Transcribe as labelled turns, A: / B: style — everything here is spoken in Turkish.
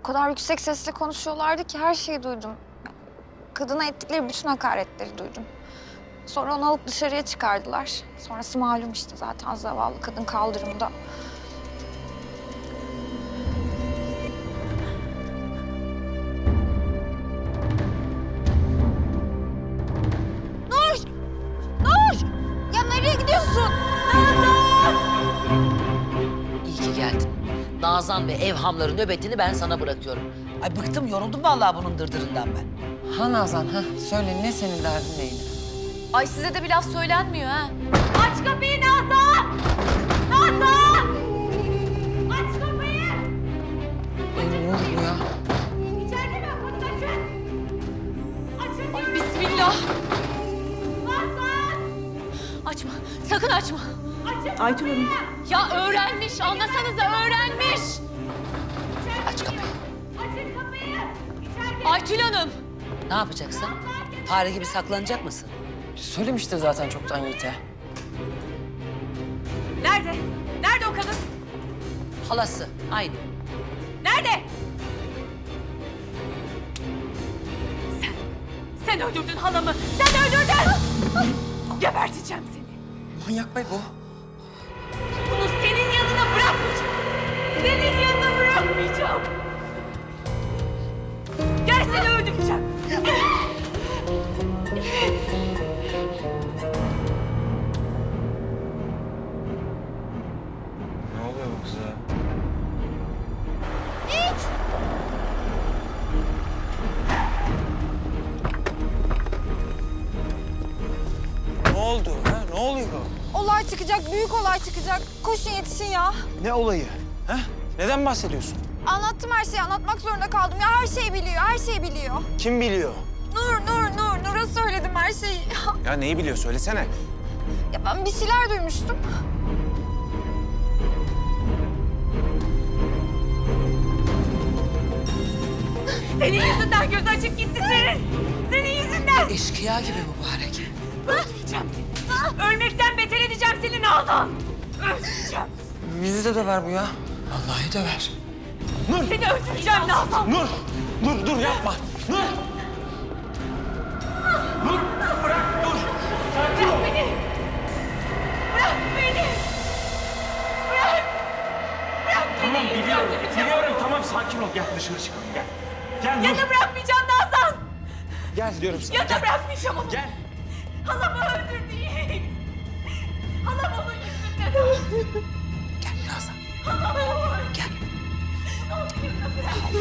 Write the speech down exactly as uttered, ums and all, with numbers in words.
A: kadar yüksek sesle konuşuyorlardı ki her şeyi duydum. Kadına ettikleri bütün hakaretleri duydum. Sonra onu alıp dışarıya çıkardılar. Sonrası malum işte zaten zavallı kadın kaldırımda. Nur! Nur! Ya nereye gidiyorsun?
B: İyi ki geldin. Nazan ve evhamların nöbetini ben sana bırakıyorum. Ay bıktım, yoruldum vallahi bunun dırdırından ben.
C: Ha Nazan, ha söyle ne senin derdin neydi?
D: Ay size de bir laf söylenmiyor ha. Aç kapıyı Nazan! Nazan! Aç kapıyı!
C: Ay ne oldu bu ya?
D: İçeride mi? Kapıyı açın! Açın! Ay bismillah! Nazan! Açma, sakın açma. Açın
E: Aytül Hanım.
D: Ya öğrenmiş, anlasanıza öğrenmiş.
B: Aç kapıyı.
D: Açın kapıyı! İçeride! Aytül Hanım!
B: Ne yapacaksın? Fare gibi saklanacak mısın?
C: Söylemiştir zaten çoktan Yiğit'e.
D: Nerede? Nerede o kadın?
B: Halası, aynı.
D: Nerede? Sen, sen öldürdün halamı. Sen öldürdün. Geberteceğim seni.
C: Manyak bey bu.
D: Bunu senin yanına bırakmayacağım. Senin yanına bırakmayacağım. Gel seni öldüreceğim.
F: Ne oluyor bu kıza? Ne oldu ha? Ne oluyor?
A: Olay çıkacak, büyük olay çıkacak. Koşun yetişin ya.
F: Ne olayı? Ha? Neden bahsediyorsun?
A: Anlattım her şeyi, anlatmak zorunda kaldım. Ya her şeyi biliyor, her şeyi biliyor.
F: Kim biliyor?
A: Nur, Nur, Nur. Nur'a söyledim her şeyi.
F: Ya neyi biliyor? Söylesene.
A: Ya ben bir şeyler duymuştum.
D: Senin yüzünden göz açık gitti senin. Senin yüzünden.
B: Eşkıya gibi mübarek.
D: Öldüreceğim seni. Ölmekten beter edeceğim seni Nazan. Öldüreceğim.
C: Bizi de döver bu ya. Vallahi döver.
D: Seni öldüreceğim Nazan.
F: Nur! Dur, dur yapma! Nur! Nur! Bırak, dur! Sakin ol!
D: Beni. Bırak beni. Bırak. Bırak beni.
F: Tamam biliyorum,
D: Öldüreceğim.
F: biliyorum. Tamam sakin ol. Gel dışarı çıkalım, gel. Gel Nur!
D: Ya da bırakmayacağım Nazan.
F: Gel diyorum sana,
D: Ya da
F: gel.
D: bırakmayacağım onu.
F: Gel!
D: Halamı öldürdü Yiğit. Halam onun yüzünden öldü.
B: Gel Nazan.
D: Halamı öldürdü.
B: Gel.
D: Ne olur bırak.